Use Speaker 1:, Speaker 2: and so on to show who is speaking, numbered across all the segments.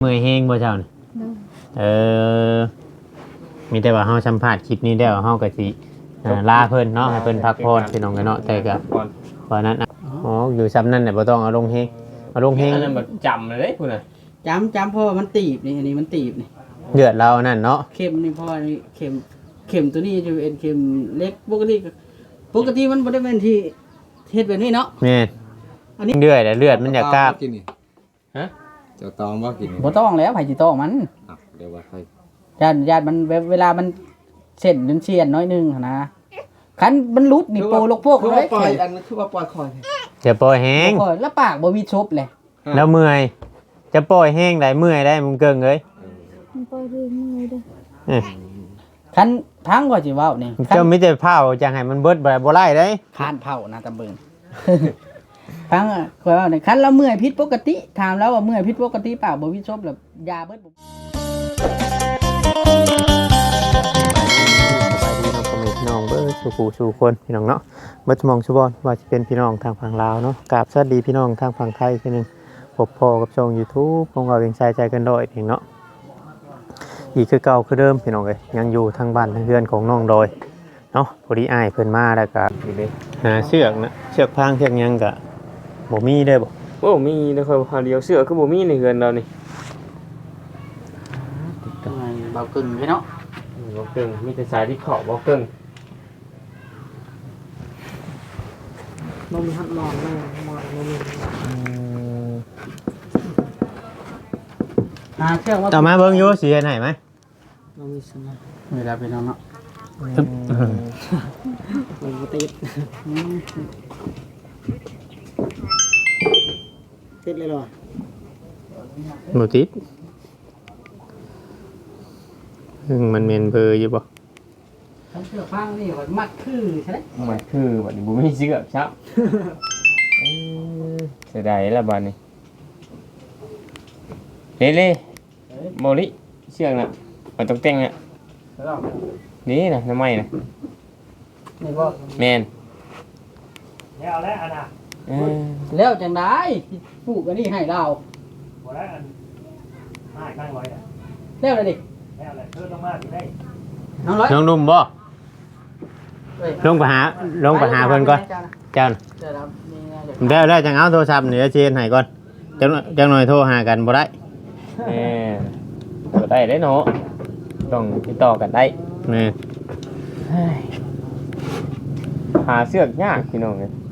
Speaker 1: เมื่อยแห้งบ่เจ้านี่
Speaker 2: โดย
Speaker 1: เออมีแต่ว่าเฮาสัมภาษณ์คลิปนี้แล้วเฮาก็สิลาเพิ่นเนาะให้เพิ่นพักผ่อนพี่น้องกันเนาะแต่ก็เพราะนั้นอ๋ออยู่ซ้ำนั่นน่ะบ่ต้องเอาลงแฮงเอาลงแฮง
Speaker 3: อันนั้นแบบจำเลยเด้พุ่นน่ะ
Speaker 4: จำเพราะว่ามันตีบนี่อันนี้มันตีบนี่
Speaker 1: เดือดเรานั่นเนาะ
Speaker 4: เข็มนี่เพราะว่านี่เข็มตัวนี้จะเป็นเข็มเล็กปกติมันบ่ได้เป็นที่เฮ็ดแบบนี้เนาะ
Speaker 1: แม่น
Speaker 4: อันนี้
Speaker 1: เดือดแต่เลือดมันอยากกราบ
Speaker 5: กินนี่
Speaker 3: ฮะ
Speaker 5: เจ้าตองบ่กินนี่
Speaker 4: บ่ต้องแล้วไผสิต้องมัน
Speaker 5: อ่ะเดี๋ยวว่าใคร
Speaker 4: ญาติมันเวลามันเส้นเชียนน้อยนึงหั่นนะคันมันรุดนี่โปลกโปก
Speaker 5: คือ
Speaker 4: เล
Speaker 5: ว่าย ปล่อยอันนั้นคือว่าปล่อยคอย
Speaker 1: จะปล่อยแห้ง
Speaker 4: โอ้ยแล้วปากบ่มีชบเลย
Speaker 1: แล้วเมื่อยจะปล่อยแห้งได้เมื่อยได้มึงเกิงเอ้ย
Speaker 2: มันปล่อยเรื่อยๆเด้อ
Speaker 1: เอ้ย
Speaker 4: คันพังก็สิเว้านี่คัน
Speaker 1: เจ้ามีแต่เผาจังให้มันเบิดบ่ไล่ได้
Speaker 4: คานเผานะตำเบิง พังอ่ะข่อยว่านี่คันเราเมื่อยผิดปกติถามแล้วว่าเมื่อยผิดปกติปากบ่มีชบแล้วยาเบิดบ่
Speaker 1: สบายดีน้องพ่อแม่พี่น้องเบิดสู่ผู้สู่คนพี่น้องเนาะเบิดสมองสุบอนว่าจะเป็นพี่น้องทางฝั่งลาวเนาะกราบสวัสดีพี่น้องทางฝั่งไทยทีนึงพบพ่อกับช่อง YouTube ของเราเองใจกันดอยเองเนาะอีกคือเก่าคือเดิมพี่น้องเอ้ยยังอยู่ทางบ้านทางเรือนของน้องดอยเนาะพอดีอ้ายเพิ่นมาแล้วก็หาเชือกนะเชือกพางเชือกหยังก็บ่มีเด้อบ่
Speaker 3: โอ้มีเด้อค่อยพาเดียวเสื้อคือบ่มีในเฮือนเรานี่
Speaker 4: เบากึ่งพี่เนาะ
Speaker 3: บ่เกิงมีแต่สายที่ขอบบ่เกิง
Speaker 4: บ่มีหัดมองแม่มองบ่มีเชื่อว่า
Speaker 1: ต่อมาเบิ่งอยู่สิเฮ็ดให้ไหม
Speaker 4: บ่มีสนะเวลาพี่น้องเนาะมันบ่ติดติดเลยเหรอ
Speaker 1: บ่ติดมันเมนเบอร์อยู่บ่
Speaker 4: ทั้งเชือกฟางนี่ว่ามัดคือใช่ไหม
Speaker 3: มันคือบัดนี้บ่มีเสื้อครับเสียดายละบัดนี้เล่ๆบ่ลิเชือกน่ะมันต้องแต่งน่ะนี่น่ะน้ำไม้น่ะ
Speaker 4: นี่บ่
Speaker 3: แม่น
Speaker 6: แล้วแล้วอันน่ะ
Speaker 3: เออ
Speaker 4: แล้วจังได้ปลูกอันนี้ให้เรา
Speaker 6: บ่แล้วอันง่ายข้างร้อยอ่ะ
Speaker 4: แล้วเลยดิ
Speaker 6: แล้วแหละเธอต้องมาที่ได้
Speaker 4: น้องร้อย
Speaker 1: น้องนุ่มบ่ลงไปหาเพิ่นก่อนเจ้าน่ะ
Speaker 4: เดี๋ยวเรามีงานเดี๋ยว
Speaker 1: แล้วจังเอาโทรศัพท์นี่เชียนให้ก่อนจังหน่อยโทรหากันบ่ได้
Speaker 3: แม่นบ่ได้เด้เนาะต้องติดต่อกันได้
Speaker 1: แม่
Speaker 3: เฮ้ยหาเสือกยากพี่น้องเลย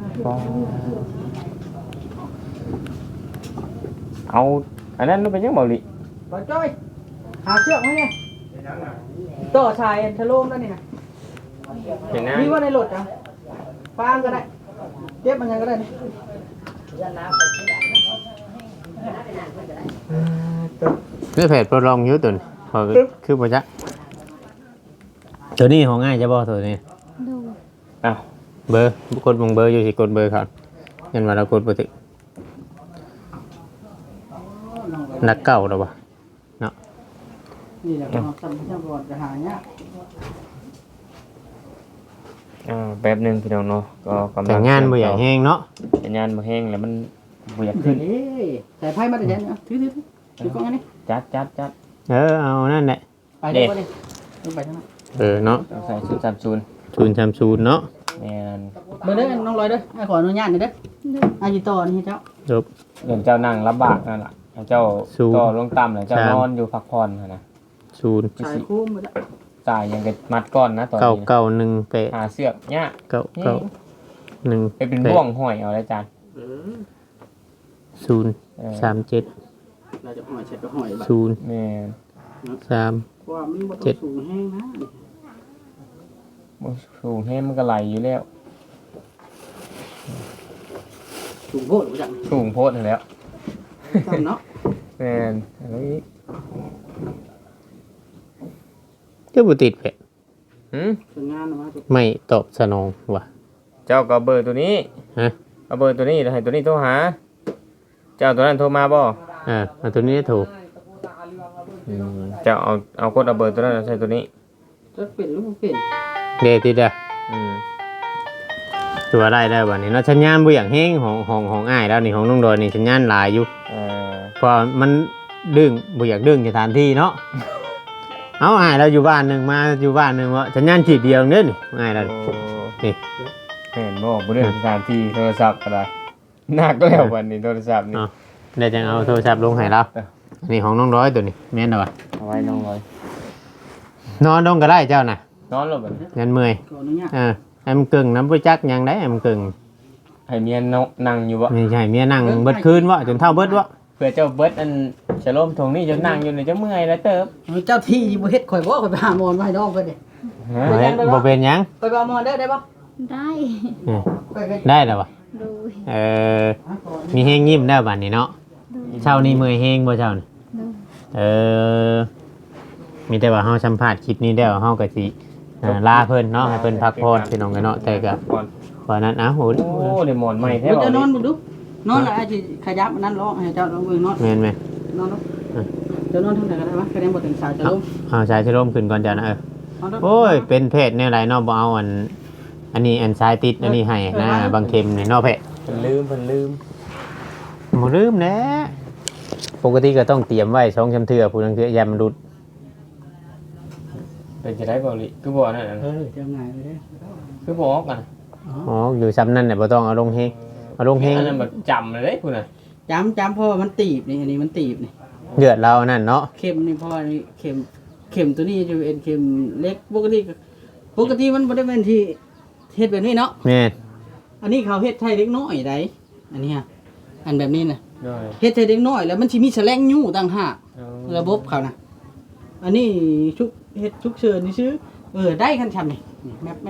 Speaker 3: เอาอันนั้นมันเป็นยังเบาหลี
Speaker 4: บอลจ้อยหาเชือกไหมเนี่ยต่อชายทะโลมแล้วนี่นะ
Speaker 3: เห็นนะ
Speaker 4: มีว่าในรถอ่ะฟางก็ได้เก็บมันยังก็ได้นี่
Speaker 1: คือเพจโปรลองอยู่ตัวนี้พอคือบ่จักตัวนี้ของง่ายจะบ่ตัวนี้
Speaker 2: โดย
Speaker 3: อ้าว
Speaker 1: เบอร์กดเบอร์อยู่สิกดเบอร์เขายันว่าเรากดบ่ถึกนักเก่าแล้วบ่เนาะ
Speaker 4: นี่แหละเราทำบอลจะหาเนี้ย
Speaker 3: แป๊บหนึงพี่น้องเนาะก็กำลั
Speaker 1: แต่งานบ่อยากแห้งเนาะ
Speaker 3: แต่งานบ่แห้งแล้วมันบ่อยาก
Speaker 4: เดี๋
Speaker 3: ขึ้
Speaker 4: ยวน นี้ใส่ไพ่มาแต่ยันเนาะถือกล้องอันนี้
Speaker 3: จัด
Speaker 1: เอานั่นแหละ
Speaker 4: ไปเดี๋ยวนี้ไปทางนั้น
Speaker 1: เนาะ
Speaker 3: ต้องใส่ชุด30
Speaker 1: 030เนาะ
Speaker 3: แม่น
Speaker 4: เบอร์เด้อน้องลอยเด้อขออนุญาตหน่อยเด้ออาจิโตนี่เจ้า
Speaker 1: จบ
Speaker 3: เดี๋ยวเจ้านั่งลำบากนั่นล่ะให้เจ้า
Speaker 1: สู้
Speaker 3: ก็ลงต่ำแล้วเจ้า
Speaker 1: ครับ
Speaker 3: นอนอยู่พักผ่อนหั่นนะ
Speaker 1: 0
Speaker 4: สายคุ้มหมดแล้ว
Speaker 3: จ่ายยังก็มัดก้อนนะตอนนี้
Speaker 1: 991 8
Speaker 3: หาเสือกยาก
Speaker 1: 991
Speaker 3: ไปเป็นบ่วงห้อยเอาได้จาน
Speaker 1: 037
Speaker 4: เราจะห่อยเช็ดก็ห่อยแบบ
Speaker 1: 0
Speaker 3: แม่น
Speaker 1: 3
Speaker 4: เพราะว่ามันบ่ต้องสูงแห้งนะ
Speaker 3: บ่สูงแห้งมันก็ไหลอยู่แล้ว
Speaker 4: สูงโพดบ่จัง
Speaker 3: สูงโพดนั่นแหล้ว
Speaker 4: ซ้ำเนาะ
Speaker 3: แม่นแล้วอีก
Speaker 1: เจ้าบ่ติดเพจ
Speaker 3: หืม
Speaker 4: สวยงามนะว่า
Speaker 1: ไม่ตอบสนองว่ะ
Speaker 3: เจ้าก็เอาเบอร์ตัวนี้
Speaker 1: ฮะ
Speaker 3: เอาเบอร์ตัวนี้แล้วให้ตัวนี้โทรหา เจ้าตัวนั้นโทรมาบ่
Speaker 1: เอาตัวนี้ถูก
Speaker 3: เจ้าเอากดเอาเบอร์ตัวนั้นใส่ตัวนี้
Speaker 4: จะเปลี่ยนหรือบ่เปลี่ยน
Speaker 1: เดติดอ่ะ
Speaker 3: อืม
Speaker 1: ตัวได้วันนี้เนาะสัญญาณบ่อย่างแห้งของอ้ายแล้วนี่ของน้องดอยนี่สัญญาณหลายอยู่
Speaker 3: เออ
Speaker 1: เพอมันดึงบ่อยากดึงสถานที่เนาะเอาอ้ายเราอยู่บ้านหนึงมาอยู่บ้านหนึงว่าสัญญาณขีดเดียวเด้อนี่อ้ายเรา
Speaker 3: โอ้
Speaker 1: นี่
Speaker 3: เห็นบอกบ่เรื่องสถานที่โทรศัพท์ก็ได้หนักแล้ววันนี้โทรศัพท์นี่
Speaker 1: ได้จังเอาโทรศัพท์ลงให้เราอันนี้ของน้องร้อยตัวนี้แม่นบ่
Speaker 3: เอาไว้น้องร้อย
Speaker 1: นอนลงก็ได้เจ้าน่ะ
Speaker 3: นอนแล้วบัดนี้
Speaker 1: ยันเมื่อย
Speaker 4: ขออนุญาต
Speaker 1: ให้มันกึ่งน้ำบ่จักหยังได้ให้มันกึ่ง
Speaker 3: ให้เมียนั่งอยู่บ่
Speaker 1: ไม่ใช่เมียนั่งเบิดคืนวะจนเท่าเบิดวะ
Speaker 3: เพื่อเจ้าเบิดอันฉลมทงนี่จะนั่งอยู่นี่จะเมื่อยแล้วเติบ
Speaker 4: เจ้าที่บ่เฮ็ดข่อยบ่ข่อยไปหาหมอนมาให้น้องเพิ่นเด้
Speaker 3: ฮะ
Speaker 1: บ่เฮ็ดบ่เป็นหยัง
Speaker 4: ข่อยไปเอาหมอนได้บ่
Speaker 2: ได้
Speaker 1: อืม
Speaker 4: ข่อยก็
Speaker 1: ได้แล้ววะ
Speaker 2: โดย
Speaker 1: มีแฮงยิ้มได้บัดนี้เนาะเช้านี้เมื่อยแฮงบ่เช้านี่
Speaker 2: โดย
Speaker 1: เออมีแต่ว่าเฮาสัมภาษณ์คลิปนี้แล้วเฮาก็สิลาเพิ่นเนาะให้เพิ่นพักผ่อนพี่น้องกันเนาะแต่ก็
Speaker 3: ก่อน
Speaker 1: ว่านั้นโห
Speaker 3: โอ้ได้หมอนใหม่แท้
Speaker 4: เดี๋ยว
Speaker 3: บ่
Speaker 4: จะนอนบ่ดูนอนแล้วอาจสิขยับอันนั้นร้องให้เจ้าลองเบิ่งนอน
Speaker 1: แม่นไหม
Speaker 4: นอนลงจะนอนทางไหนก็ได้วะคะแนนบ่ถึงสาวจะลง
Speaker 1: เอาชายชะลมขึ้นก่อนจ้ะนะ
Speaker 4: นอนลง
Speaker 1: โอ้ยเป็นเพศแนวไรเนาะบ่เอาอันนี้อันซ้ายติดอันนี้ให้นะบางเข็มนี่เนาะเพศ
Speaker 3: เพิ่นลืม
Speaker 1: บ่ลืมแหน่ปกติก็ต้องเตรียมไว้2ชำเทื่อผู้นังเทื่อยามมันหลุด
Speaker 3: เป็นจะได้บ่ลิคือบ่นั่นน่ะ
Speaker 4: เจ้าง่ายเลยเด้
Speaker 3: คือบ่ออกกัน
Speaker 1: อ๋ออยู่ซ้ำนั่นน่ะบ่ต้องเอาลงเฮงเอาลงเฮง
Speaker 3: อันนั้นแบบจำเลยเด้พุ่นน่ะ
Speaker 4: จำเพราะว่ามันตีบนี่อันนี้มันตีบนี่
Speaker 1: เลือดเรานั่นเนาะ
Speaker 4: เข็มนี่เพราะว่านี่เข็มตัวนี้จะเป็นเข็มเล็กปกติมันบ่ได้เป็นที่เฮ็ดแบบนี้เนาะ
Speaker 1: แม่น
Speaker 4: อันนี้เขาเฮ็ดให้เล็กน้อยได้อันนี้ฮะอันแบบนี้น่ะ
Speaker 3: ด้วย
Speaker 4: เฮ็ดให้เล็กน้อยแล้วมันสิมีแฉลงยู่ต่างหาก
Speaker 3: เอา
Speaker 4: ระบบเขานะอันนี้เฮ็ดชุกเชิญนี่ซื้อได้คันชำนี่แมป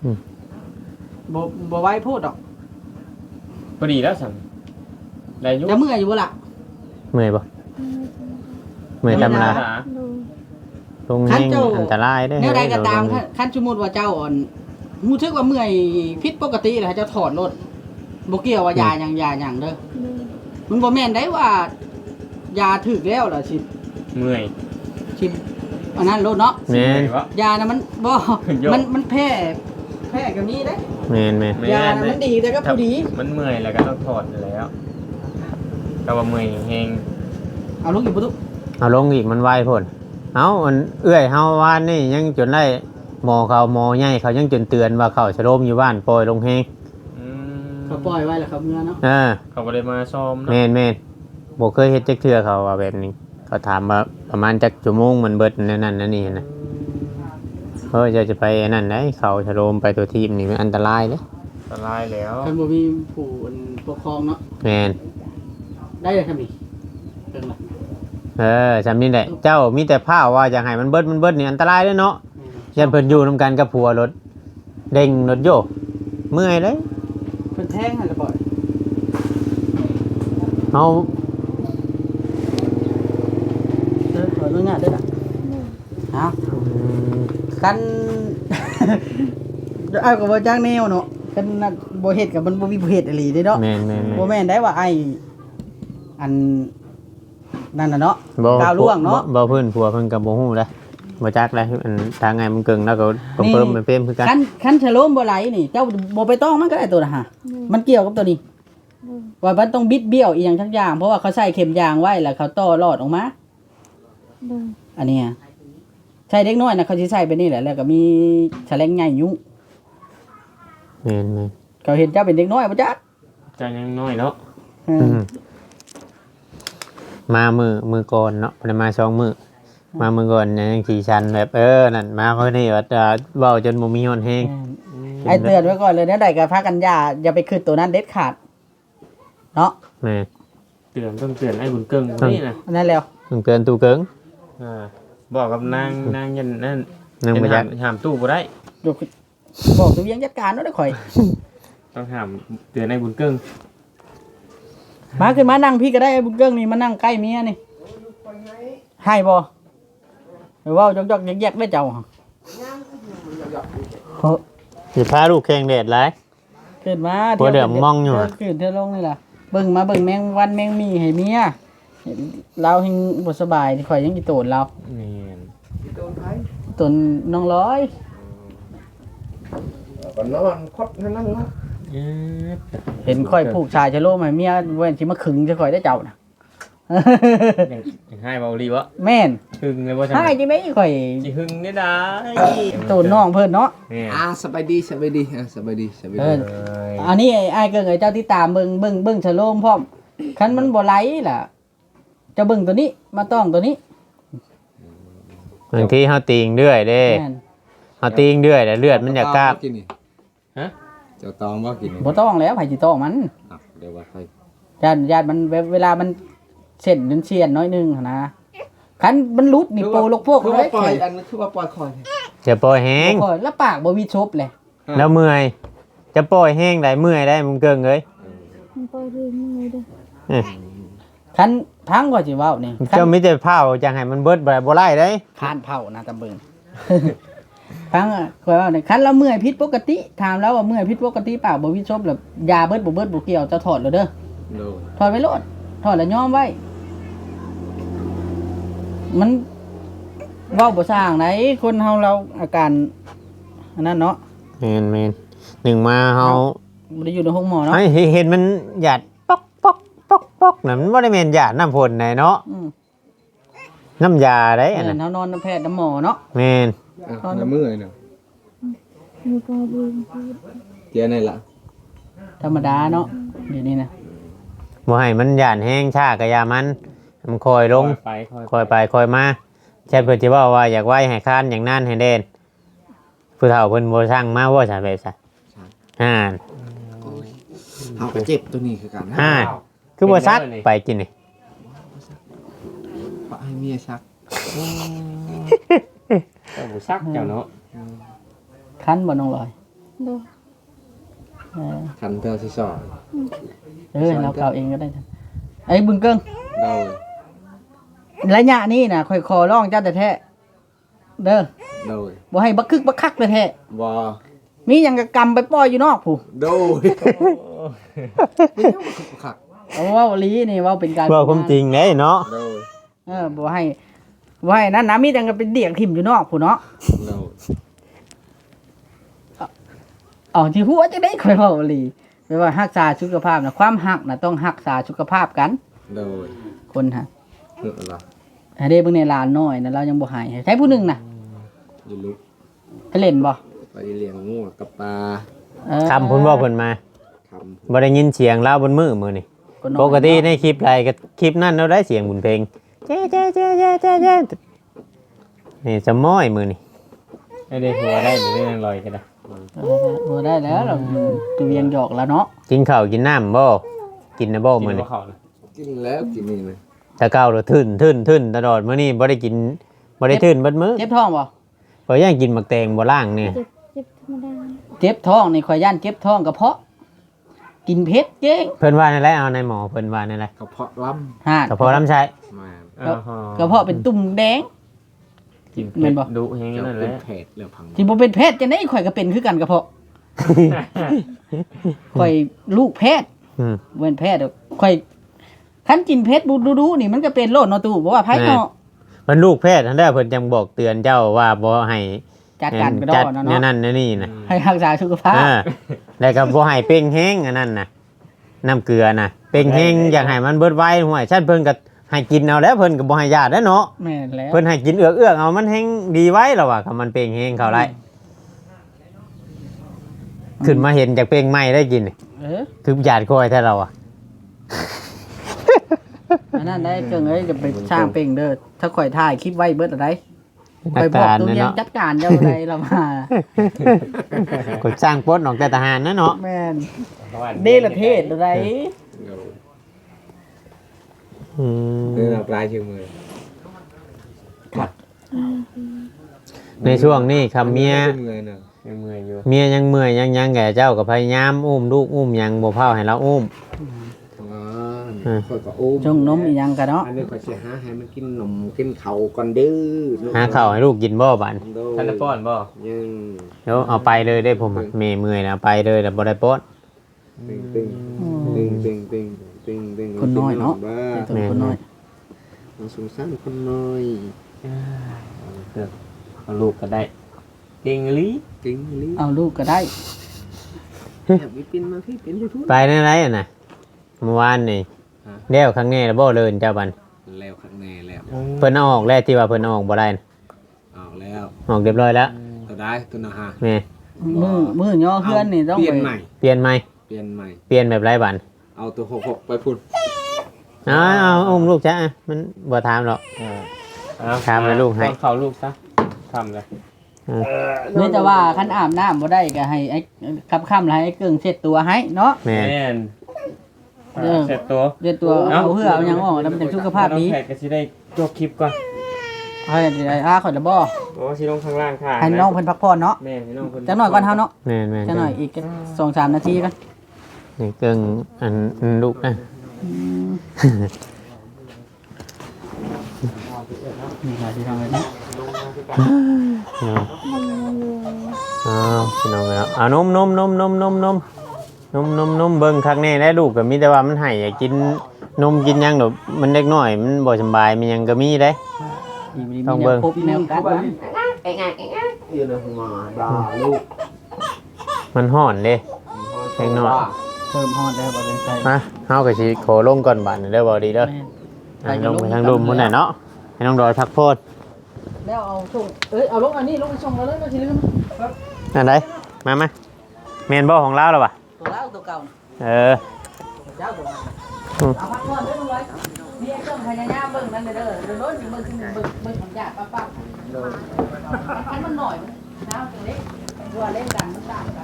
Speaker 4: บ่ไว้โพดดอก
Speaker 3: พอดีแล้วสั่งได้อยุ
Speaker 4: จะเมื่อยอยู่บ่ล่ะ
Speaker 1: เมื่อยบ่เมื่อยตำรา
Speaker 2: โดย
Speaker 1: ลงเฮงอันตรายได้อ
Speaker 4: แนวใดก็ตาม
Speaker 1: เอ
Speaker 4: คันสมมุติว่าเจ้าอ่อนฮู้สึกว่าเมื่อยผิดปกติแล้วเจ้าถอดรถบ่เกี่ยวว่ายาหยังเด้อ
Speaker 2: โดย
Speaker 4: มันบ่แม่นได้ว่ายาถึกแล้วล่ะสิ
Speaker 3: เมื่อย
Speaker 4: อันนั้นรถเนาะ
Speaker 1: แม่น
Speaker 3: วะ
Speaker 4: ยานะมันบ่
Speaker 3: โยก
Speaker 4: มันแพ้ก็มีเด้
Speaker 1: แม่น
Speaker 4: ยานะมันดีแต่ก็ผู้ดี
Speaker 3: มันเมื่อยแล้วก็ต้องถอดอยู่แล้วก็ว่าเมื่อยแฮง
Speaker 4: เอาลูกอยู่บ่ตุ
Speaker 1: เอาลงอีกมันไวพ่นเอามันเอื้อยเฮาวานนี่ยังจนได้หมอเขาหมอใหญ่เขายังจนเตือนว่าเขาชะโลมอยู่บ้านปล่อยลงเฮง
Speaker 3: อืม
Speaker 4: เขาปล่อยไว้แล้วครับเมื่อเนาะ
Speaker 3: เขาก็เลยมาซ้อมเนาะ
Speaker 1: แม่นบ่เคยเฮ็ดจักเทื่อเขาว่าแบบนี้เขาถามว่าประมาณจักชั่วโมงมันเบิดนั่นนั่นนี่นะจะไปอันนั้นได้เขาชะโลมไปตัวทีมนี่มันอันตรายเด้
Speaker 3: อันตรายแล้ว
Speaker 4: คันบ่มีผู้ปกครองเนาะ
Speaker 1: แม่น
Speaker 4: ได้เลยครับนี่เพิ่นล่ะ
Speaker 1: จำนี่แหละเจ้ามีแต่ผ้าว่าอยากให้มันเบิดนี่อันตรายเด้อเนาะยันเพิ่นอยู่นํกันกับผัวรถเด้งรถโยกเมื่อยเลย
Speaker 4: เพิ่นแทงให้ละบ่อย
Speaker 1: เอา
Speaker 4: ขออนุญาตด้วยล่ะฮะคัน เอาก็บ่จ้างแนวเนาะคันน่ะบ่เฮ็ดก็มันบ่มีผู้เฮ็ดอีหลีเด้เนาะ
Speaker 1: แม่น
Speaker 4: บ่แม่นได้ว่าไอ้อันนั่นน่ะเนาะ
Speaker 1: บ่
Speaker 4: ก้าวล่วงเนาะ
Speaker 1: บ่เพิ่นผัวเพิ่นก็บ่ฮู้เด้บ่จักเลยอันทางไงมันเกิงแล้วก็เพิ่มมันเพิ่มคือกัน
Speaker 4: คันฉโลมบ่ไหลนี่เจ้าบ่ไปต้องมันก็ได้ตัวน่ะฮะมันเกี่ยวกับตัวนี้
Speaker 2: โดย
Speaker 4: ว่ามันต้องบิดเบี้ยวอีหยังทั้งอย่างเพราะว่าเขาใส่เข็มยางไว้แล้วเขาต่อรอดออกมา
Speaker 2: โดย
Speaker 4: อันเนี้ยใช่เด็กน้อยนะเขาสิใส่ไปนี่แหละแล้วก็มีแฉลงใหญ่ยุ่ง
Speaker 1: แม่น
Speaker 4: เขาเห็นเจ้าเป็นเด็กน้อยบ่จ๊ะ
Speaker 3: ใจยังน้อยเนาะ
Speaker 1: มามือก่อนเนาะบ่ได้มา2มื้อมามือก่อนยังขี่ชันแบบนั่นมาเขานี่ว่าเว้าจนบ่มีฮอนแฮง
Speaker 4: ไอ้เตือนไว้ก่อนเลยเนี่ยใดก็พากันอย่าไปขึ้นตัวนั้นเด็ดขาดเนาะ
Speaker 1: แม่
Speaker 3: ต้องเตือนไอ้บุญเกิงนี่นะ
Speaker 4: อันนั้นแล้ว
Speaker 1: ต้องเตือนตู้เกิง
Speaker 3: บอกกับนางยันนั่น
Speaker 1: นึงบ่จัก
Speaker 3: ห้ามตู้บ่ได้
Speaker 4: ดูบอกตัวเวียงจัดการเนาะเด้อข่อย
Speaker 3: ต้องห้ามเตือนไอ้บุญเกิง
Speaker 4: มาขึ้นมานั่งพี่ก็ได้ไอ้บุญเกิ้งนี่มานั่งใกล้เมียนี่ให้บ่หรือว่าจอกๆแยกๆได้เจ้าฮะ
Speaker 1: สิพาลูกแข่งแดดหลาย
Speaker 4: ขึ้นมา
Speaker 1: หัวเดือมมองอยู่อะ
Speaker 4: ขึ้นเที่ยวลงนี่ล่ะเบิ่งมาเบิ่งแมงวันแมงมีให้เมียเราเฮงบ่สบายข่อยยังอีโตนเรา
Speaker 3: นี่
Speaker 4: ตนน้องร้อย
Speaker 5: ก็นอนคดนั่นเนาะ
Speaker 4: เห็นข่อยผูกชายชะโลมให้เมียเว้นสิมาขึงจะข่อยได้เจ้าน่ะ
Speaker 3: ยังให้เบาลีวะ
Speaker 4: แม่น
Speaker 3: หึงเลยว่า
Speaker 4: ให้จังได๋ข่อย
Speaker 3: สิหึงได้ได้
Speaker 4: ตูนน้องเพิ่นเนาะ
Speaker 3: เนี่ย
Speaker 5: สบายดีสบายดีสบายดีสบาย
Speaker 4: เอ
Speaker 5: ดี
Speaker 4: ออันนี้ไอ้ายเกิงไอ้เจ้าที่ตามเบิ่งชะโลมพร้อมคันมันบ่ไหลล่ะจะเบิ่งตัวนี้มาต้องตัวนี้
Speaker 1: บางทีเฮาตีงเรื่อยเด้
Speaker 4: แม่น
Speaker 1: เฮาตีงเรื่อยแล้วเลือดมันอยากกราบ
Speaker 5: กินนี่เจ้าตองว่ากินนี่
Speaker 4: บ่ต้องแล้วไผสิต้องมัน
Speaker 5: เดี๋ยวว่าใคร
Speaker 4: ญาติมันเวลามันเส้นมันเชียนน้อยหนึงหั่นนะคันมันหลุดนี่โปลกพวก
Speaker 5: คือ
Speaker 4: เล
Speaker 5: ว่าย ปล่อยอันนั้นคือว่าปล่อยคอย
Speaker 1: จะปล่อยแห้ง
Speaker 4: บ่ค่อยแล้วปากบ่มีชบเลย
Speaker 1: แล้วเมื่อยจะปล่อยแห้งได้เมื่อยได้มึงเกิงเอ้ย
Speaker 2: มันปล่อยเรื่องนี้เลยเด้อ
Speaker 4: คันพังกว่าสิเว้านี่คัน
Speaker 1: เจ้ามิจะเผาจังให้มันเบิดบ่ไล่ได้
Speaker 4: คานเผานะตำเบิง พังอ่ะข่อยว่านี่คันเราเมื่อยผิดปกติถามแล้วว่าเมื่อยผิดปกติปากบ่มีชบแล้วยาเบิดบ่เกี่ยวจะถอดแล้วเด้อ
Speaker 5: โดน
Speaker 4: ถอดไว้โลดถอดแล้วย้อมไว้ มันเว้าบ่สร้างไหนคนเฮาเราอาการอันนั้นเนาะ
Speaker 1: แม่นหนึ่งมาเฮา
Speaker 4: บ่ได้อยู่ในห้องหมอเนาะ
Speaker 1: ให้เห็นมันหยาดป๊อกป๊อกป๊อกป๊อกน่ะมันบ่ได้แม่นหยาดน้ำพ่นไหนเนาะ
Speaker 4: อืม
Speaker 1: น้ำยาได้อัน
Speaker 4: เออ
Speaker 1: นั้น
Speaker 4: เฮานอนน้ำแพทย์น้ำหมอเนาะ
Speaker 1: แม่น
Speaker 5: น้ำมือเนาะ
Speaker 2: มีปล่อยเรื่องพูด
Speaker 5: เจียนี่ล่ะ
Speaker 4: ธรรมดาเนาะเดี๋ยวนี้นะ
Speaker 1: บ่ให้มันหยาดแห้งชากะยามันคอยลง
Speaker 3: ไป
Speaker 1: คอยไปคอยมาแค่เพิ่นสิเว้าว่าอยากไว้ให้คานอย่างนั้นให้เด่นผู้เฒ่าเพิ่นบ่สั่งมาว่าซะแบบซะอ่า
Speaker 5: เอาก็เจ็บตัวนี้คือกันนะ
Speaker 1: อ่าคือบ่ซักไปกินนี่
Speaker 5: ปะให้เมียชัก
Speaker 3: เจ้าบุซักเจ้าเนาะ
Speaker 4: คันบ่น้องลอย
Speaker 2: เด้อ
Speaker 4: เออ
Speaker 5: ขันเธอสิสอน
Speaker 4: เราเก่าเองก็ได้จ้ะไอ้บึงเกิ้ง
Speaker 5: เดา
Speaker 4: ระยะนี้น่ะค่อยขอร้องเจ้าแต่แท้เด้อ
Speaker 5: เดา
Speaker 4: บ่ให้บักคึกบักคักแต่แท้
Speaker 5: บอ
Speaker 4: มีหยังก็กำไปปล่อยอยู่นอกผู้
Speaker 5: โดยขัก
Speaker 4: เอาเว้าอีหลีนี่เว้าเป็นการ
Speaker 1: เว้าความจริงเด้เนาะ
Speaker 5: โดย
Speaker 4: บ่ให้นั่นนะมีแต่ก็เป็นเดี่ยงทิ่มอยู่นอกผู้เนาะ
Speaker 5: โดย
Speaker 4: เอาที่หัวจะได้ค่อยเว้าอีหลีแปลว่ารักษาสุขภาพน่ะความรักน่ะต้องรักษาสุขภาพกัน
Speaker 5: โดย
Speaker 4: คนฮะ
Speaker 5: เหือละ
Speaker 4: ให้ได้เบิ่งในหลานน้อยน่ะเรายังบ่หายใช้ผู้หนึงน่ะ
Speaker 5: อยู่ลุก
Speaker 4: ไปเล่นบ่
Speaker 5: ไปเลี้ยงงูกับปลา
Speaker 1: คำเพิ่นเว้าเพิ่นมา
Speaker 5: ทำ
Speaker 1: บ่ได้ยินเสียงลาวบนมือมื้อนี่
Speaker 4: คนน้อย
Speaker 1: ปกติในคลิปไรก็คลิปนั้นเราได้เสียงบุญเพลงเจ๊เจ๊เจ๊เจ๊เจ๊เจ๊นี่จะม้อยมือนี่
Speaker 3: ไอ้เด็กหัวได้หรือเรื่องลอยก็ได้
Speaker 4: บ่ได้แล้วเราตัวเวียงหยอกแล้วเนาะ
Speaker 1: กินข้าวกินน้ำบ่กินนะบ่
Speaker 3: กิน
Speaker 1: มือ
Speaker 3: หั
Speaker 1: นี่
Speaker 3: วเขานะ
Speaker 5: กินแล้วกินนี่นะ
Speaker 1: แตะเก้าเราทื่นตลอดมื้อนี้บ่ได้กินบ่ได้ทื่นเบิดมื้อ
Speaker 4: เจ็บท้องบ่
Speaker 1: เพราะยังกินหมักแตงบ่ล่างนี่
Speaker 2: เจ็บธรรมดา
Speaker 4: เจ็บท้องนี่ข่อยย่านเจ็บท้องกระเพาะ กินเผ็ดเก่ง
Speaker 1: เพิ่นว่าในไรเอาในหมอเพิ่นว่าในไร
Speaker 5: กระเพาะล้
Speaker 4: ห่าน
Speaker 1: กระเพาะลำไส้
Speaker 5: ำมาก
Speaker 4: ระเพาะเป็นตุ่มแดง
Speaker 3: กิน
Speaker 4: แม่นบ่
Speaker 3: ดุแห้ง
Speaker 5: เจ้า
Speaker 3: นั่นแห
Speaker 5: เป็น
Speaker 3: ละ
Speaker 5: เพจเรื่องพัง
Speaker 4: ที่บ่เป็นแพทย์จังได๋ข่อยก็เป็นคือกันกระเพาะข่อยลูกแพทย์
Speaker 1: อืม
Speaker 4: บ่เป็นแพทย์ดอกข่อยคันกินเผ็ดดูๆนี่มันก็เป็นโรคเนาะตู่บ่ว่าไผเนาะ
Speaker 1: มันลูกแพทย์ทันได้เพิ่นจังบอกเตือนเจ้าว่าบ่ให้
Speaker 4: จัดการกระด
Speaker 1: จั
Speaker 4: อ
Speaker 1: ด
Speaker 4: เนาะ
Speaker 1: แนว
Speaker 4: เนาะ
Speaker 1: นั้นแนวนี่นะ
Speaker 4: ให้รักษาสุขภาพ
Speaker 1: แล้วก็บ่ให้เป่งแห้งอันนั้นน่ะน้ำเกลือน่ะเป่งแห้งอยากให้มันเบิดไว้ห่วยฉันเพิ่นก็ให้กินเอาแล้วเพิ่นก็บ่ให้ญาติแล้วเนาะ
Speaker 4: แม่นแล้ว
Speaker 1: เพิ่นให้กินเอือกเอามันแห้งดีไว้แล้วว่ะคันมันเป่งแห้งเข้าไรขึ้นมาเห็นจากเป่งใหม่ได้กินนี่
Speaker 4: เออ
Speaker 1: คือญาติคอยแท้เราอ่ะ
Speaker 4: อันนั้นได้เกิงเอ้ยจะไปสร้างเป่งเด้อถ้าข่อยถ่ายคลิปไว้เบิดอะไรข่อยบอกตัวเนี้ยจัดการเจ้าอะไรเรามา
Speaker 1: ก็สร้างโพสต์ออกแต่ทหารนะเนาะ
Speaker 4: แม่นเดลเทศอะไร
Speaker 1: อืม
Speaker 5: นี่เราปลายชื่อมือ
Speaker 1: ในช่วงนี้คำเมีย
Speaker 5: เมื่อยเนาะ
Speaker 3: ยังเมื่อยอยู่
Speaker 1: เมียยังเมื่อยยังแก่เจ้าก็พยายามอุ้มลูกอุ้มยังบ่เผาให้เราอุ้ม
Speaker 5: ค่อยก็อุ้ม
Speaker 4: จงนมอีหยังกันเนาะ
Speaker 5: อันนี้ข่อยสิหาให้มันกินนมกินข้าวก่อนเด้อ
Speaker 1: หาข้าวให้ลูกกินบ่บัด
Speaker 3: ท่านจะป้อนบ่
Speaker 5: ยัง
Speaker 1: เดี๋ยวเอาไปเลยได้ผมเมื่อยนะไปเลยแต่บ่ได้โป๊ด
Speaker 5: ตึงตึงตึงตึงตึงตึงตึง
Speaker 4: คนน้อยเนาะ
Speaker 5: บ้า
Speaker 4: ตัวคนน้อย
Speaker 5: สงสารคนน้อย
Speaker 3: เอาลูกก็ได้เก่งอีหลี
Speaker 5: จริงลิ
Speaker 4: เอาลูกก็ได้
Speaker 5: แอบวิปินมาพี่เป็นยูทูบ
Speaker 1: ไปในไรอ่ะนะเมื่อวานนี่แล้วครั้งนี้แล้วบ่เลินเจ้าบัน
Speaker 5: แล้วข้างในแล้ว
Speaker 1: เพิ่นเอาออกแล้วที่ว่าเพิ่นเอาออกบ่ได้น่ะ
Speaker 5: ออกแล้ว
Speaker 1: ออกเรียบร้อยแล้ว
Speaker 5: ตัวได้ตัวนะฮะ
Speaker 1: แม่
Speaker 4: มือย่อเพื่อนนี่ต้อง
Speaker 5: เปลี่ย
Speaker 4: ไป
Speaker 5: นใหม่
Speaker 1: เปลี่ยนใหม่
Speaker 5: เปลี่ยนใหม่
Speaker 1: เปลี่ยนแบบไรบัน
Speaker 5: เอาตัว66ไปพุ่น
Speaker 1: เอาอุ้มลูกจ้ะมันบ่ถามหรอก ถามเลยลูกให้
Speaker 3: เขาลูกซะทำเลย
Speaker 4: นี่จะว่าคันอาบน้ำบ่ได้ก็ให้ไอ้ค่ำๆแล้วให้ไอ้เกิ่งเช็ดตัวให้เนาะ
Speaker 1: แม่
Speaker 3: แม่น
Speaker 4: เออ
Speaker 3: เสร็จตัว
Speaker 4: เช็ดตัวเอาเพื่อเอาหยังออกแล้วมันจะสุขภาพดี
Speaker 3: น้องแขกก็สิได้จบคลิปก่อน
Speaker 4: ให้ข่อยละบ่
Speaker 3: โอ้สิลงข้างล่างค่ะ
Speaker 4: ให้น้องเพิ่นพักผ่อนเนาะ
Speaker 3: แม่ให้น้องเพิ่น
Speaker 4: จักหน่อยก่อนเฮาเนาะ
Speaker 1: แม่แม่
Speaker 4: จักหน่อยอีก2-3 นาทีกัน
Speaker 1: นี่เกิงอันลูกนะ
Speaker 4: นี่ค่ะที่ทำไว้นะ
Speaker 1: พี่น้องแล้วเอานมเบิ่งคักแน่ได้ลูกก็มีแต่ว่ามันให้อยากกินนมกินหยังดอกมันเด็กน้อยมันบ่สำบายมันหยังก็มีได้ ต้องเบิ่ง
Speaker 4: พบแนวกัดมัน
Speaker 5: อยู่ในหัวดาลูก
Speaker 1: มันฮ้อนเด้เด็กน้อย
Speaker 4: เพิ่มฮอดแล้วบ่เป็นไส
Speaker 1: มาเฮาก็สิขอลงก่อนบัดนี้เด้อบ่ดีเด้อ
Speaker 4: แม่น
Speaker 1: ลงไปทางรุมพุ่นน่ะเนาะให้น้องดอยพักโพด
Speaker 4: แล้วเอาส่งเอาลงอันนี้ลงไปส่งแล้วมันสิลืม
Speaker 1: อันใดมาแม่นบ่ของเราแล้วบ่
Speaker 4: ตัวแล้วตัวเก่า
Speaker 1: เออ
Speaker 4: เจ้าตัวนั้นเอาพักผ่อนเด้อลุงร้อยมีไอ้เครื่องพยายามเบิ่งนั่นเด้อเดี๋ยวโน้นสิเบิ่งของยากปั๊บๆอันมันหน่อยมันน้ำตัวเล็กตัวเล่นกันมันต่างกัน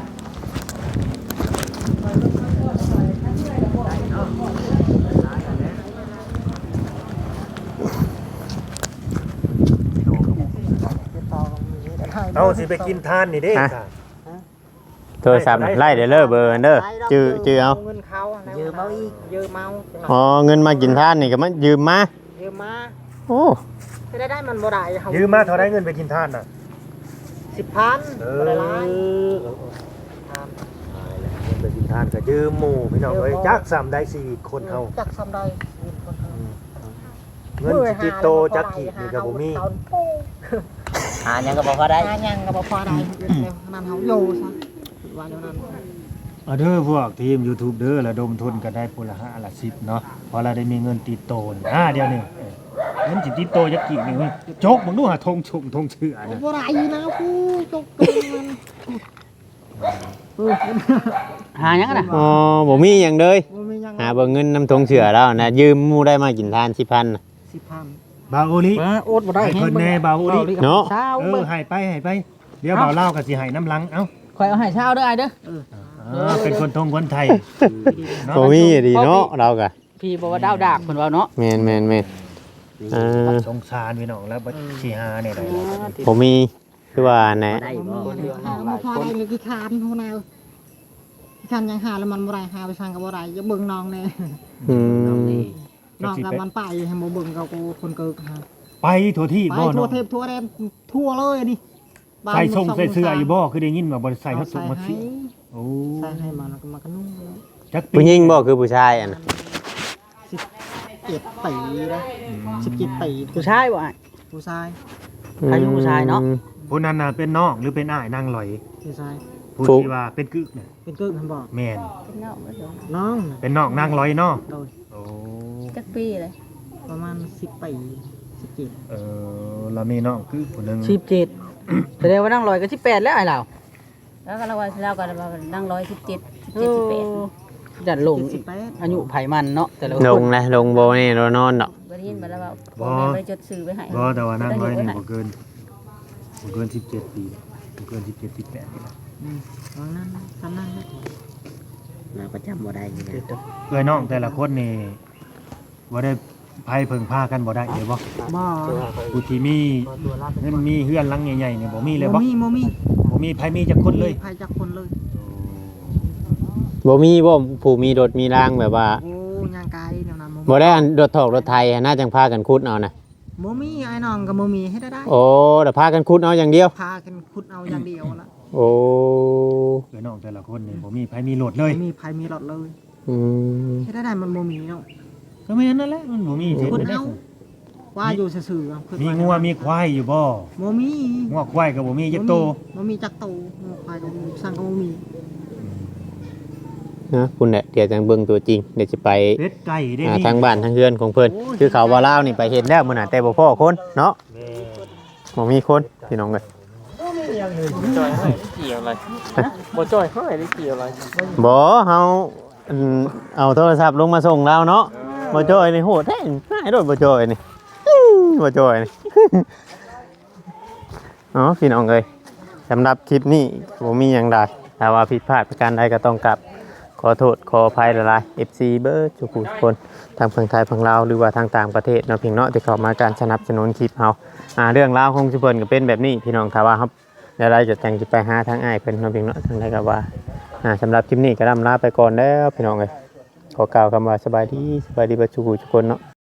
Speaker 6: เอาสิไปกินทานนี่เด้
Speaker 1: ฮะ
Speaker 6: ค่ะ
Speaker 1: โทรศัพท์ไล่เด้อเด้อเบอร์เด้อจื้อเอา
Speaker 7: เงินเขายืมเอาอีกยืมเอา
Speaker 1: อ๋อเงินมากินทานนี่ก็มันยืมมา
Speaker 7: ยืมมา
Speaker 1: โอ้
Speaker 7: จะได้มันบ่ได้เขา
Speaker 6: ยืมมาเท่าไรเงินไปกินทานน่ะ
Speaker 7: 10,000บ่ได้หลาย
Speaker 6: เงินไปกินทานก็ยืมหมู่พี่น้องเอ้ยจักซ้ำได้สี่คนเฮา
Speaker 7: จักซ้ำใด
Speaker 6: เงินสิติดโตจักกี่นี่ก็บ่มี
Speaker 7: หายังก็บ่พอได้หายังก็บ่พอได้นั่นเฮาอยู่ซะว่าอย่างนั้น
Speaker 6: เอาเด้อพวกทีม YouTube เด้อระดมทุนกันได้พุ่นละ5ละ10เนาะพอเราได้มีเงินติดโตนี่เดี๋ยวนี้เงินสิติดโตจักกี่นี่เว้ยจกมึงดูหาธงเชื่อนะ
Speaker 7: บ่ได้นะผู้จกมัน
Speaker 4: หายังกันนะ
Speaker 1: อ๋อบ่มีหยังเลย
Speaker 7: บ่มียัง
Speaker 1: หาเบิ่งเงินนำทงเสือแล้วนะยืมหมู่ได้มากินทาน10,000น่ะ
Speaker 7: 10,000
Speaker 6: บาโอลิ
Speaker 7: โอดบ่ได้
Speaker 6: ให้เพิ่นแน่บาโอลิ
Speaker 1: เนาะ
Speaker 7: เช้า
Speaker 6: เออให้ไปเดี๋ยวบ่าวเล่าก็สิให้น้ำลังเอ้า
Speaker 4: คอยเอาให้เช้าเด้อไอ้เด้อ
Speaker 6: เป็นคนไทยเนาะ
Speaker 1: บ่มีดีเนาะเราก็
Speaker 4: พี่บอกว่าดาวดากเพิ่นว่าเนาะ
Speaker 1: แม่น
Speaker 6: สงสารพี่น้องแล้วบ่สิหาเนี่ยได้แล้ว
Speaker 1: ผมมีคือว่าแหนะ
Speaker 7: บ่พอได้เลยกี่คานฮู้แนวกี่คานยังหาแล้วมันบ่ได้หาไปสั่งก็บ่ได้อย่าเบิ่งน้องแน่
Speaker 1: อืม
Speaker 7: น้องกับมันไปให้บ่เบิ่งกับกูคนเกิกหา
Speaker 6: ไปทั่วที่
Speaker 7: ไป
Speaker 6: บ่
Speaker 7: ทั่ว
Speaker 6: เนาะ
Speaker 7: เทพทั่วแดนทั่วเลยนี่
Speaker 6: ใส่ส่งใส่เสื้ออยู่บ่คือได้ยินว่าบ่ใส่ฮัตสุมักสิโอ้
Speaker 7: ใส่ให้มันแล้วก็มากันนุ่งแล้ว
Speaker 6: จักปี
Speaker 1: ผู้หญิงบ่คือผู้ชายอ่ะนะ
Speaker 7: 17 ปีนะ17 ปี
Speaker 4: ผู้ชายบ่ไอ้
Speaker 7: ผู้ชาย
Speaker 4: อายุผู้ชายเนาะ
Speaker 6: ผู้นั้นน่ะเป็นน้องหรือเป็นอ้ายนางลอย
Speaker 7: ผู้ชาย
Speaker 6: ผู้ที่ว่าเป็นกึกน่ะ
Speaker 7: เป็นกึกท่านบอก
Speaker 6: แม่น
Speaker 7: น้อง
Speaker 6: เป็นน้องนางลอยเนาะ
Speaker 7: โดย
Speaker 6: โอ้
Speaker 2: จักปีเลย
Speaker 7: ประมาณ10 ปี17
Speaker 6: เรามีน้องกึกผู้หนึง
Speaker 4: 17แสดงว่านั่งลอยก็18แล้วไอ้เรา
Speaker 2: แล้วก็เราว่าเราก็นั่ง117 17
Speaker 4: จัดลง
Speaker 7: 18
Speaker 4: อายุไผมันเนาะแต่ละ
Speaker 1: ล
Speaker 4: ค
Speaker 1: ง
Speaker 4: น
Speaker 1: นะลงโบนี่เรานอนดอก
Speaker 2: 18บ่ได้ยินบ่แล้วว่าพ่อแม่บ่ได้จดซื้อไว้ให้
Speaker 6: บ่แต่ว่านางลอยนี่บ่เกิน17ปีบ่เกิน17 18นี่ล่ะ
Speaker 7: ตอนนั้นตอนนั้น
Speaker 4: เราก็จำบ่ได้อยู่แล้ว
Speaker 6: เอ้ยน้องแต่ละคนนี่บ่ได้ไผเพิ่งพากันบ่ได้เด้บ่
Speaker 7: บ่
Speaker 6: ผู้ที่มีเงินมีเฮือนหลังใหญ่ๆนี่บ่มีเลยบ่
Speaker 7: บ่มี
Speaker 6: บ่มีไผมีจักคนเลย
Speaker 7: ใครจักคนเลย
Speaker 1: บ่มีบ่ผู้มีรถมีรางแบบว่า
Speaker 7: โอ้ย่างกายแนวนั้น
Speaker 1: บ่ได้อันรถถอกรถไทยน่าจังพากันขุดเอานะ
Speaker 7: บ่มีไอ้น้องก็บ่มีให้ได้
Speaker 1: โอ้แต่พากันขุดเอาอย่างเดียว
Speaker 7: พากันขุดเอาอย่างเดียวละ
Speaker 1: โอ้
Speaker 6: เอ้ยน้องแต่ละคนนี่บ่มีไผมีรถเลย
Speaker 7: ไม่มีภัยมีรถเลย
Speaker 1: อืม
Speaker 7: ให้ได้มันบ่มีเนาะ
Speaker 6: ก็ไม่นั่นแหละมันบ่มีเฮ็ด
Speaker 7: ขุด
Speaker 6: ได้
Speaker 7: เอาว่าอยู่ซื่อๆขุด
Speaker 6: มี
Speaker 7: ไ
Speaker 6: งัวมีควายอยู่บ่
Speaker 7: บ่มี
Speaker 6: งัวควายก็บ่มีจักโต
Speaker 7: บ่มีจักโตงัวควายก็บ่มีสั่งก็บ่มี
Speaker 1: นะคุณเนี่ยเดี๋ยวจังเบิ่งตัวจริงเดี๋ยวจะไป
Speaker 6: เป็ดไก่ได้นี่
Speaker 1: ทางบ้านทางเฮือนของเพิ่นคือเขาว่าลาวนี่ไปเห็นแล้วมื้อน่ะแต่บ่พอคนเนาะ
Speaker 6: แม่
Speaker 1: บ่มีคนพี่น้องเอ้ย
Speaker 3: จอยให้ได้เกี่ยวอะไรบ่จอยให้ได้เกี่ยวอะไร
Speaker 1: บ่เฮาเอาโทรศัพท์ลงมาส่งเราเนาะบ่จ่อยนี่โหดแท้ง่ายโดดบ่จ่อยนี่บ่จ่อยนี่ อ๋อพี่น้องเอ้ยสำหรับคลิปนี้บ่มีหยังใดถ้าว่าผิดพลาดประการใดก็ต้องกลับขอโทษขออภัยหลายๆ FC เบิร์ดทุกคนทางฝั่งไทยฝั่งลาวหรือว่าทางต่างประเทศเนาะเพียงเนาะที่เข้ามาการสนับสนุนคลิปเฮาเรื่องราวของชุเพิ่นก็เป็นแบบนี้พี่น้องถ้าว่าครับเดี๋ยวเราจะจังสิไปหาทางอ้ายเพิ่นเนาะเพียงเนาะทางใดก็ว่าสำหรับคลิปนี้ก็ลาไปก่อนแล้วพี่น้องเอ้ยขอกล่าวคำว่าสบายดีเบิดทุกคนเนาะ